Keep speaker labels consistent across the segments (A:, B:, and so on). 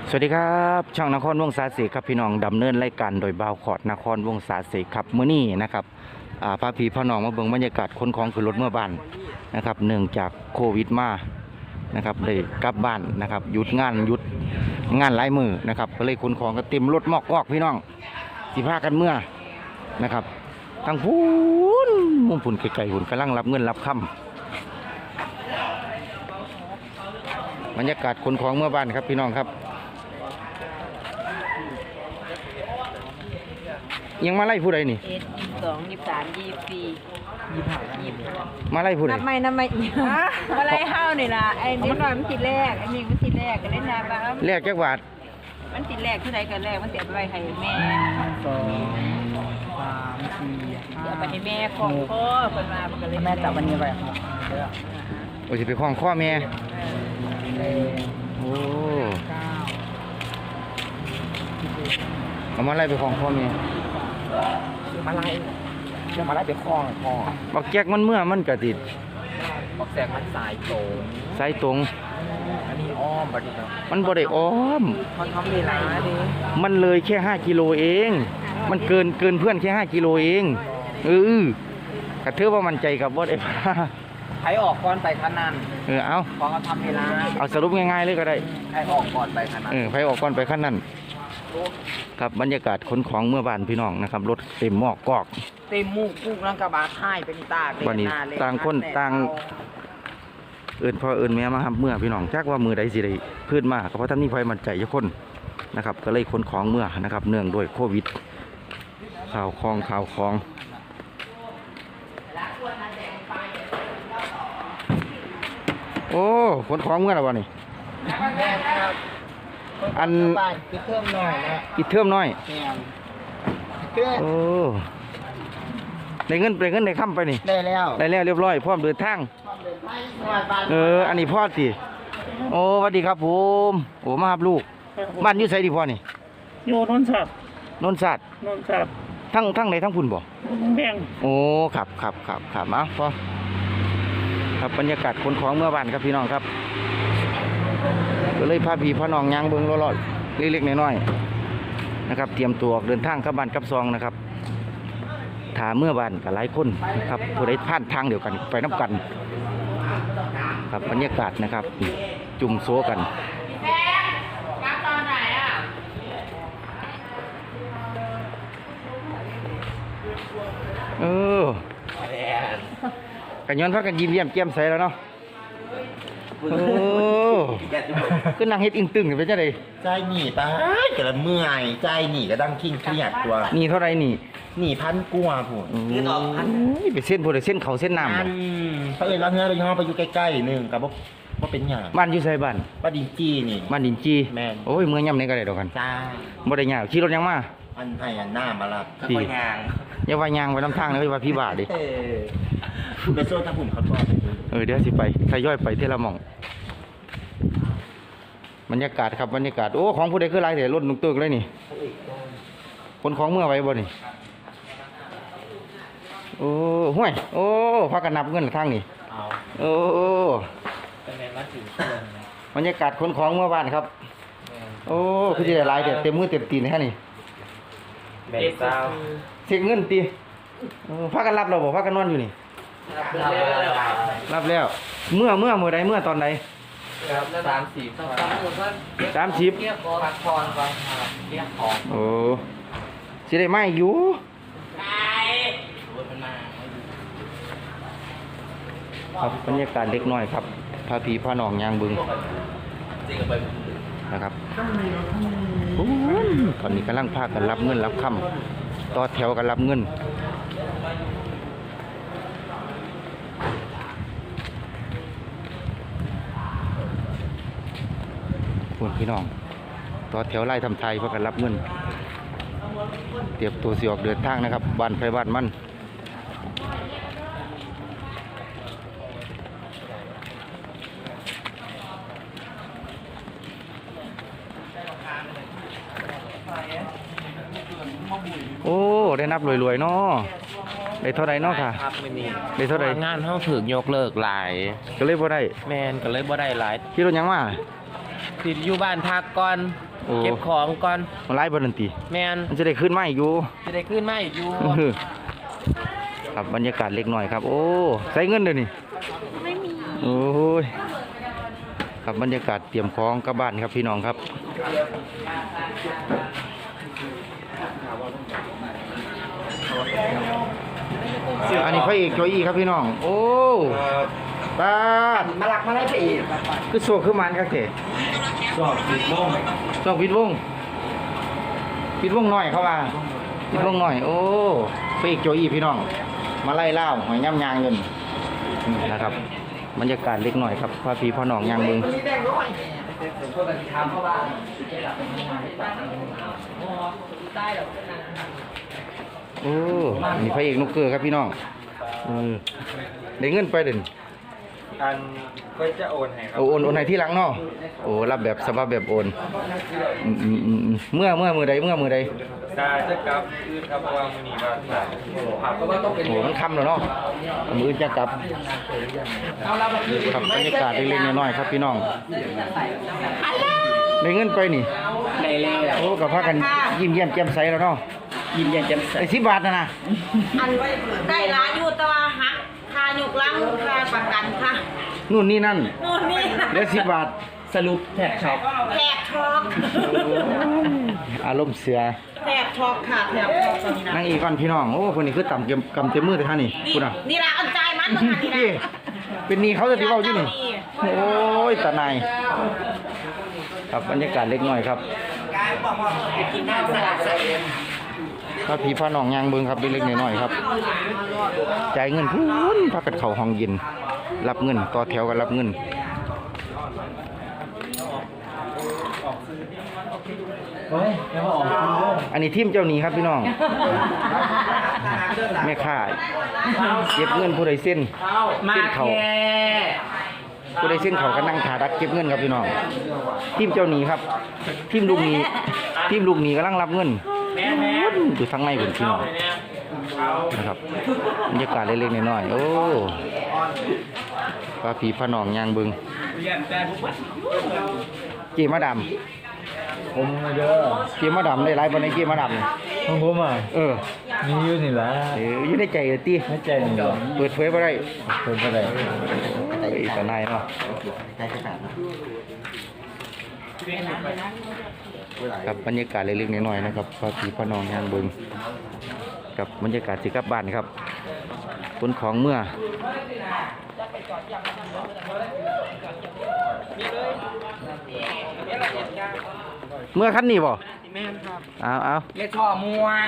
A: สวัสดีครับช่องนครวงศาเสกครับพี่น้องดำเนินรายการโดยบ่าวขอดนครวงศาเสกครับมื้อนี้นะครับพาพี่พ่อน้องมาเบิ่งบรรยากาศคนของขึ้นรถเมื่อบ้านนะครับเนื่องจากโควิดมานะครับเลยกลับบ้านนะครับหยุดงานหลายมือนะครับก็เลยขนของก็เต็มรถมอกพี่น้องสิพากันเมื่อนะครับทั้งพูนมุมพุ่นไกลๆหุ่นกำลังรับเงินรับคำบรรยากาศคนของเมื่อบ้านครับพี่น้องครับยังมาไล่ผู้ใดนี่
B: 22 23 24 25
A: มาไล่ผู้ใด
B: นับไม่อีกมาไล่ห้าวนี่ล่ะไอ้นี่มันติดแรกอันนี้มันติดแรกก็ได้นาบ้าง
A: แลกจักบาท
B: มันติดแรกเท่าใดก็แรกมันเสียไปให้แม่เดี๋ยวไปให้แม่ของพ่อเพิ่นมาก็เลย
C: แม่จับวันนี้ไปครับ
A: โอ้สิไปคล้องข้อแม่โอ้เอามาไล่ไปคล้องข้อแม่
C: มาไล่เดี๋ยวมาไล่ไปคล้องคอ
A: บักแจ๊กมันเมื่อมันกระติด
C: บักแสกมันสายโต
A: สายตรง
C: อันนี้อ้อมบัดนี้ครับ
A: มันบ่ได้อ้อม
C: มันทำเวลาดิ
A: มันเลยแค่5กิโลเองมันเกินเพื่อนแค่5กิโลเองกระเทือว่ามันใจกับบ่ได้พา
C: ใครออกก่อนไปขนาด
A: เอา
C: พอเขาทำเวลา
A: เอาสรุปง่ายๆเลยก็ได้
C: ใครออกก่อนไปขนาด
A: ใครออกก่อนไปขั้นนั้นครับบรรยากาศขนของเมื่อบ้านพี่น้องนะครับรถเต็มหมอกกอก
C: เต็มมูกกุ๊กลังกระบะท้ายเป็นตาก
A: วันนี้ต่างคนต่างพ่อแม่มาครับเมื่อพี่น้องจักว่ามือใดสิได้พื้นมากเพราะท่านนี่ไฟมันใจเยอะคนนะครับก็เลยขนของเมื่อนะครับเนื่องด้วยโควิดข่าวคลองโอ้ขนของเมื่อแล้ววะนี่อัน
C: ปิดเทอมหน่อยนะ
A: ปิดเทอมน้อยโอ้ได้เงินได้ค่ำไปนี่
C: ได้แล้ว
A: เรียบร้อยพร้อมเดินทางอันนี้พ่อสิโอ้สวัสดีครับผมโอ้มาครับลูกบ้านอยู่ไสดีพ่อนี่
C: โยนนสัตว์
A: ทั้งไหนทั้งพุ่นบ่
C: แบง
A: โอ้ครับมาพ่อครับบรรยากาศคนของเมื่อบ้านครับพี่น้องครับก็เลยพาพี่พ่อน้องย่างเบิ่งรอดเล็กๆน้อยๆนะครับเตรียมตัวเดินทางกลับบ้านกลับซองนะครับถาเมื่อบ้านกับหลายคนนะครับผู้ใดผ่านทางเดียวกันไปน้ำกันครับบรรยากาศนะครับจุ่มโซกันกันย้อนพักกันยิ้มเยี่ยมแจ่มใสแล้วเนาะก็นั่งเฮ็ดอิงตึงไปจ้าเลย
C: ใจหนีไปกระเมื่อยใจหนีก็ดังคิงเครียดตัว
A: หนีเท่าไรห
C: นีพันกัวผม
A: ไปเส้นพวกเส้นเขาเส้นน้ำ
C: เขาเอ่ยรับเงินเราย่อไปอยู่ใกล้ๆนึงกับว่าเป็นหยา
A: บ้านอยู่ไสบ้าน
C: ดินจีนี่
A: บ้านดินจี
C: แม่
A: โอ้ยเมืองย่ำในก็ได้ดอกกัน
C: จ้า
A: บ่ได้ยากขี่รถยังมา
C: อันไทยหน้ามาละ
A: พี่อย่าว่ายางไปน้ำทางเลยว่าพี่บาทดิ
C: ไปโซ่ถ้าผมเขาตัว
A: เดี๋ยวสิไปทยอยไปเทละหม่องบรรยากาศครับบรรยากาศโอ้ของผู้ใดคือไรแต่รถนุ่งตึกเลยนี่คนของเมื่อไว้บ่นี่โอ้ห่วยโอ้พักกันนับเงินทางนี่โอ้บรรยากาศคนของเมื่อบ้านครับโอ้คือจะได้หลายแต่เต็มมือเต็มตีนแค่นี้เช็คเงินตีพักกันรับเราบอกพักกันนอนอยู่นี่รับแล้วเมื่อใดเมื่อตอนไหน30พักผ่อนก่อนเรียกของโอ้สิได้ไม่อยู่ครับบรรยากาศเล็กน้อยครับพาพี่พาน้องยางบึงนะครับตอนนี้กำลังพากันรับเงินรับคำต่อแถวกันรับเงินคุณพี่น้องต่อแถวไล่ทำไทยเพื่อกันรับเงินเตรียมตัวสิออกเดินทางนะครับบ้านไฟบ้านมันโอ้ได้นับรวยๆเนาะได้เท่าไรเนาะค่ะได้เท่าไรง
C: านเขาถึงยกเลิกหลาย
A: ก็เลยบ่ได้
C: แมนก็เลยบ่ได้หลาย
A: ที่รถยังมา
C: ติดอยู่บ้านพักก่อน
A: โอ้
D: เก็บของก่อน
A: มันไล่บอลันตี
D: แมน
A: มันจะได้ขึ้นมาอีกอยู่
D: จะได้ขึ้นมาอีกอยู่
A: ครับบรรยากาศเล็กหน่อยครับ โอ้ใส่เงินเดี๋ยวนี้
B: ไม่มี
A: โอ้ยครับบรรยากาศเตรียมของกลับบ้านครับพี่น้องครับอันนี้พระเอกโจอี้ครับพี่น้อง โอ้ตา
D: มาหลักมาไล่ไปอีก
A: คือโซคือมันครับเถ
C: ชอบติดลง
A: ช่องปิดวงหน่อยเข้ามาปิดวงหน่อย โอ้พระเอกโจอี้พี่น้อง มาไล่ล่าหอยย่ำยางเงินนะครับบรรยากาศเล็กหน่อยครับพ่อพี่พ่อน้องยางมึงโอ้นี่พระเอกนุกเกอร์ครับพี่น้องได้เงินไปเด่น
C: อันก็จะโอนให้ครับ
A: โอนให้ที่หลังเนาะโอ้รับแบบสภาพแบบโอนเมื่อมือใด
C: ตาจะกลับคืนครับเพราะว่ามื้อนี้ว่าครับเพราะว่าต้องเป็น
A: โอ้มันค่ำแล้วเนาะมือจะกลับครับบรรยากาศเล็กๆน้อยๆครับพี่น้องได้เงินไปนี่
D: ในเล่
A: โอ้กับพากันยิ้มแย้มแจ่มใสแล้วเนาะ
D: ยินยันแจ่มใส
A: ไอ้10 บาทนะ
B: อันได้ร้านอยู่แต่ว่าหักค่าหยุกลังค่าประกันค่ะ
A: นู่นนี่นั่น
B: นู่นนี่
A: เหลือ10 บาท
D: สรุปแท็กช็อป
B: แถบช็อก
A: อารมณ์เสือ
B: แถบช็อกค่ะแถบช็อกตอนนี้นะ
A: นั่งอีกก่อนพี่น้องโอ้คนนี้คือต่ำกำเต็มมือแต่ท่านี่
B: นี่
A: คุณอ่ะ
B: นี่ละอันใจมันมาค่ะนี่
A: พี่
B: นะ
A: เป็นหนี่เขาจะตีเบาอยู่นี่โอ้ยตาในายครับบรรยากาศเล็กน้อยครับก็พี่พ่อน้องยางเบิงครับเล็กๆน้อยๆครับจ่ายเงินพูนพักกันเข่าห้องเย็นรับเงินต่อแถวกันรับเงินอันนี้ทีมเจ้าหนี้ครับพี่น้องแม่ค้าเก็บเงินผู้ใดเส้น
D: มา
A: เส้นเขา
D: แค่
A: ผู้ใดเส้นเขาก็นั่งขาดักเก็บเงินครับพี่น้องทีมเจ้าหนี้ครับทีมลูกหนี้กำลังรับเงินอยู่ทางในผมพี่น้องนะครับบรรยากาศเล็กๆน้อยๆโอ้ป้าผีพระนองยางบึงเกมาดำ
C: ผมเยอะ
A: เกมาดำได้หลายบนในเกมาดำนี่
C: ของผมอ่ะ
A: เออ
C: มีอยู่นี่ละ
A: อยู่ในใจเออตี
C: ไม่ใจนี่
A: เปิดเผยบ่ได้
C: เพิ่นก็ได้
A: ไอ้ตาในเนาะครับบรรยากาศเล็กๆน้อยๆนะครับป้าผีพระนองยางบึงกับบรรยากาศสิกลับบ้านครับขนของเมื่อคันนี้บ่
D: แม่นครับ
A: เอา
D: เรียกช่อม่วง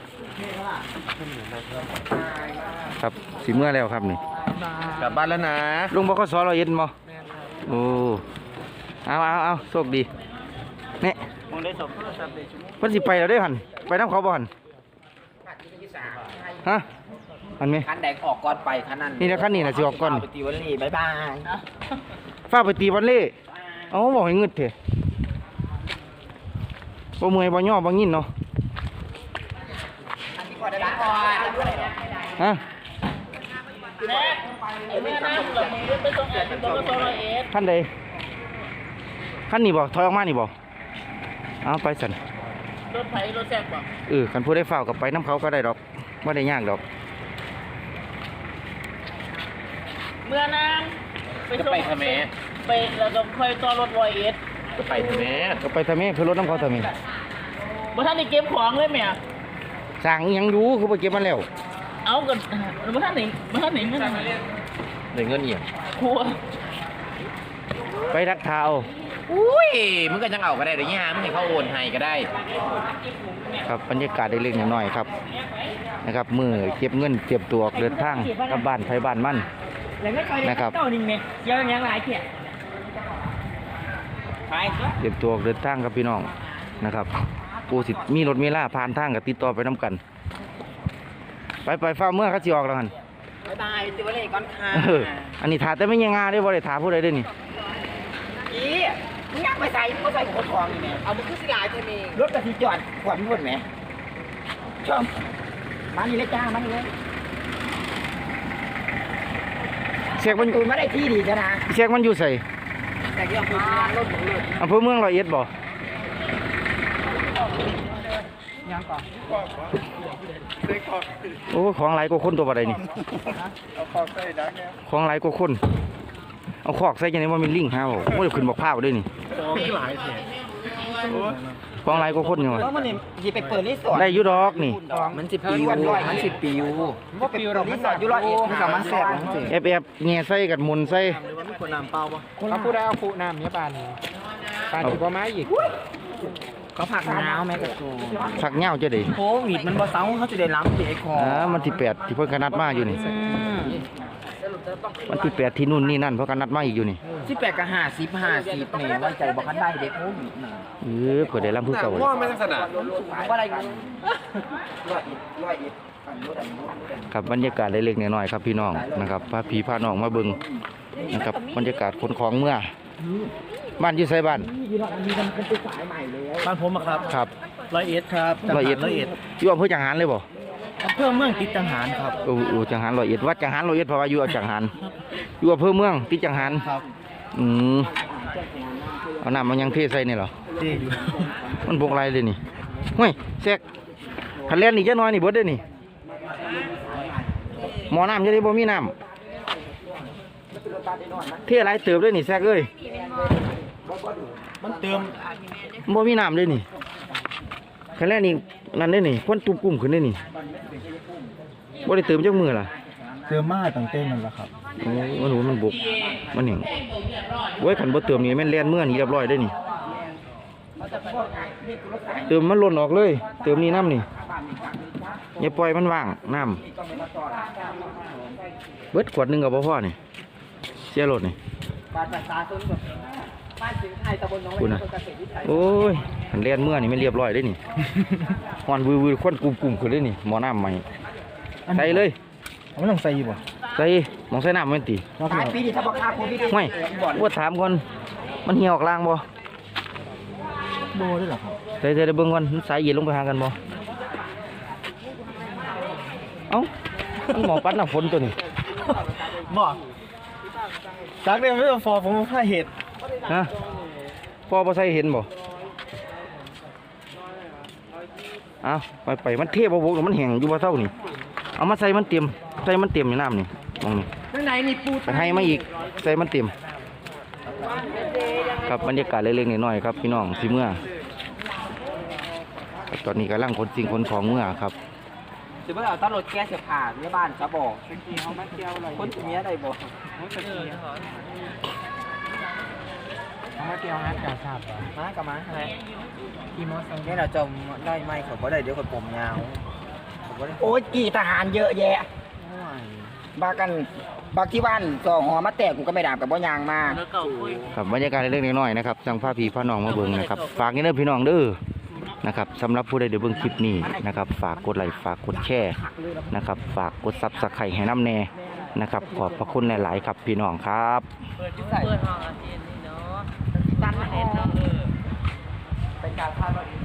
A: ครับสิเมื่อแล้วครับนี่
C: กลับบ้านแล้วนะ
A: ลุงบกสเราเย็นบ่โอ้เอาโชคดีเนี่ย
D: มึงได้สอบโทรศัพท์ได้ชั่วโมง
A: เพิ่นสิไปแล้วเด้อหั่นไปน้ำเขาบ่หั่นฮะอันนี้
D: คันแดกออกก่อนไปคันนั้น
A: นี่นะคันนี้น่ะสิออกก่อน
D: ไปตีวันนี้บ๊ายบาย
A: ฟ้าไปตีวันเล่เอาบ่ให้งึดเถอะบ่เมื่อยบ่ย่อบ่งินเนาะ
D: อันนี้ก่อนได้ก่อน
A: ฮะ
D: แม่นั่งหลบมือไปส่งแอร์ที่บกส101
A: คันใดคันนี้บ่ถอยออกมานี่บ่เอาไปสั่น
D: รถไฟรถแซ่บบ่
A: คันผู้ได้ฝ้าวกับไปน้ำเขาก็ได้ดอกบ่ได้ยากดอก
E: เมื่อนั้นไป
D: จะ
E: ส่ง
D: ไปทำไม
E: ไปแล้วก็ค่อยต่อรถ101
D: จะไปทำไม
A: ก็ไปทำไมเพื่อรถน้ำเขาทำไม
E: บ่ทันได้เก็บของเลยแม่
A: สั่งอิหยังอยู่คือไปเก็บมาแล้ว
E: เอากันบ่ทันได้เงิน
D: ได้เงินเอียง
E: ครัว
A: ไปรักเท้า
D: อุ้ยมึงก็ยังเอาก็ได้เดี๋ยวนี้ฮะมึงให้เขาโอนให้ก็ได้
A: ครับบรรยากาศได้เล็กน้อยๆครับนะครับมือเก็บเงินเก็บตัวออกเดินทางกลับบ้านไทยบ้านมั่น
E: แล้วไม่ค่อย
A: นะครับ
E: เจ้านี่แม่เยอะยังหลายเที่ยไป
A: เก็บตัวออกเดินทางครับพี่น้องนะครับปูสิมีรถมีล่าผ่านทางกับติดต่อไปน้ำกัน ไปฟ้าเมื่อเขาสิออกแล้วหัน
D: บ๊ายบายตีวันนี้ก่อนค่ะ
A: อันนี้ถาแต่ไม่ยังงาได้บ่ได้ถาผู้ใดได้นี่
D: อีมึงยังไปใส่มึงใส่คนทองนี่แม่เอามึงขึ้นสิลายเธอเองรถกระสีจอดขวดมึงหมดไหมชมมานี่เลยจ้ามานี่เลย
A: เสียกมัน
D: ตูนไม่ได้ที่ดีจ้ะนะ
A: เสียกมันอยู่ใส่
D: แต่ที่อำเภอรถของรถ
A: อำเภอเมืองร้อยเอ็ดบ่
D: ยังก่อน
A: โอ้ของหลายกว่าคนตัวบ่ได้นี่
C: เอาคอกใส่ดักเนี่ย
A: ของหลายกว่าคนเอาคอกใส่จังได๋บ่แม่นลิงหาบ่บ่ได้ขึ้นบักพร้าวเด้นี่
C: หลายเสีย
A: ของหลายกว่าคนอยู่
D: แล้วมันนี่สิไปเปิดรีสอร์ท
A: ได้อยู่ดอกนี่
D: มันสิปิวมันสิปิวว่าปิวเรารีสอร์ทอยู่ร้อยเอ็ดมันก็มาแซ่บจังซี่
A: แอบแง่ใส่กับหมุนใส่
D: เขาพูดได้เอาฟูน้ำเนี่ยปานที่บ่มาอีกเขาผักหนาวแม่กระโจ
A: สักเหย้าจะได้
D: โควิดมันบ่เซาเขาสิได้ล้ำเด็กคอ
A: มันที่8ที่เพิ่นกนัดมาอยู่นี่วันที่8ที่นู่นนี่นั่นเพิ่นกนัดมาอีกอยู่นี่
D: 18กับ50นี่ไว้ใจบ่คันได้เด็กโควิดน่ะ
A: เพิ่นได้ลำคือเก่าเลย
C: ว่าไม่ต้องสนาม
D: ว่าอะไรกันร้อยเอ็ด
A: ครับบรรยากาศเล็กๆน้อยๆครับพี่น้องนะครับพาพี่พาน้องมาเบิ่งนะครับบรรยากาศคนของเมื่อบ้านอยู่ไสบ้าน
E: บ้านผมอะครับ
A: ครับ
E: 101ครับจังห
A: ร้
E: วั
A: อย
E: ด
A: เอ็ด
E: 101
A: อยู่อำเภอจังหารเลยบ่
E: อำเภอเมืองติดจังหารครับ
A: จังหารร้อยเอ็ดวัดจังหารร้อยเอ็ดเพราะว่าอยู่จังหารอยู่อำเภอเมืองติดจังหาร
E: ครับ
A: อืมเอาน้ำมันยังเทใส่นี่เหรอ
E: ดีอยู่
A: มันบกไรเลยนี่เฮ้ยแซกคันเล่นนี่จะน้อยนี่เบิดเด้อนี่หมอน้ำจะได้บ่มีน้ำเทอะไรเติบด้วยนี่แซกเอ้ย
E: มันเติม
A: บ่มีน้ำเลยนี่คันเล่นนี่นั่นเด้อนี่ควันตุบกุ้มขึ้นเด้อนี่บ่ได้เติมจักมือล่ะ
E: เติมมาตั้งเต้นนั่นแหละครับ
A: โอ้มันรู้มันบกมันแห้งโอ้ยคันบ่เติมนี่แม่นแล่นเมื่อนี่เรียบร้อยเด้อนี่เติมมันหล่นออกเลย เติมนี่น้ำนี่อย่าปล่อยมันว่างน้ำเบิดขวดหนึงก็บ่พอนี่เสียรถนี่
D: บ้านประชาชนแบบบ้านสิงห์ไทยตำบลหนอง
A: คุณ
D: ไร่
A: น่ะ
D: อำเภอเกษตรวิสัย
A: โอ้ยคันแล่นเมื่อนี่ไม่เรียบร้อยเด้อนี่ฮอนวือๆควันกุ่มๆขึ้นเลยนี่หมอน้ำใหม่ใส่เลย
E: ไม่ต้องใส่บ่
A: ใส่หมองใส่น้ำแม่นติ
D: หลายปีนี่ถ้าบ่ฆ่าโควิด
A: ห่วยว่าถามก่อนมันเหี่ยวออกล่างบ่
E: โบได้หรอครับ
A: ใส่ได้เบิ่งก่อนมันสายเย็นลงไปหากันบ่เอ้ามันหมอปัดน้ำฝนตัวนี้
E: บ่จักเรียนไม่ต้องฟอผมผ้าเห็ด
A: ฮะพอบ่ใส่เห็นบ่เอาไปมันเทบ่บกมันแห้งอยู่บ่เท่านี่เอามาใส่มันเต็มใส่มันเต็มในน้ำนี่มองนี่
D: ข้างในนี่ปู
A: ไปให้มาอีกใส่มันเต็มครับบรรยากาศเล็กๆน้อยๆครับพี่น้องสิเมื่อครับตอนนี้กำลังขนสิ่งขนของเมื่อครับ
D: สิบ่เอาตลอดแก้เสื้อผ้าในบ้านจะบอกเอามาเที่ยวอะไรคนสิเมียได้บ่เอามาเที่ยวหาจ่าทราบบ่มากับมาอะไรอีมอสังเนี่ยเราจมได้ไหมเขาบ่ได้เดี๋ยวคนผมยาวโอ้ยกี่ทหารเยอะแยะบากันบางที่บ้านสองหอมาแตกกูก็ไม่ด่ากับบ่ยางมา
A: ครับบรรยากาศเล็กๆน้อยๆนะครับจังพาพี่พาน้องมาเบิ่งนะครับฝากนี่เด้อพี่น้องเด้อนะครับสำหรับผู้ใดเดี๋ยวเบิ่งคลิปนี้นะครับฝากกดไลค์ฝากกดแชร์นะครับฝากกดซับสไครต์ให้น้ำแน่นะครับขอบพระคุณหลายๆครับพี่น้องครับ
B: เปิดห้องอาทิตย์นี่เนาะตันมาเห็นเนาะ
D: เป็นการพาด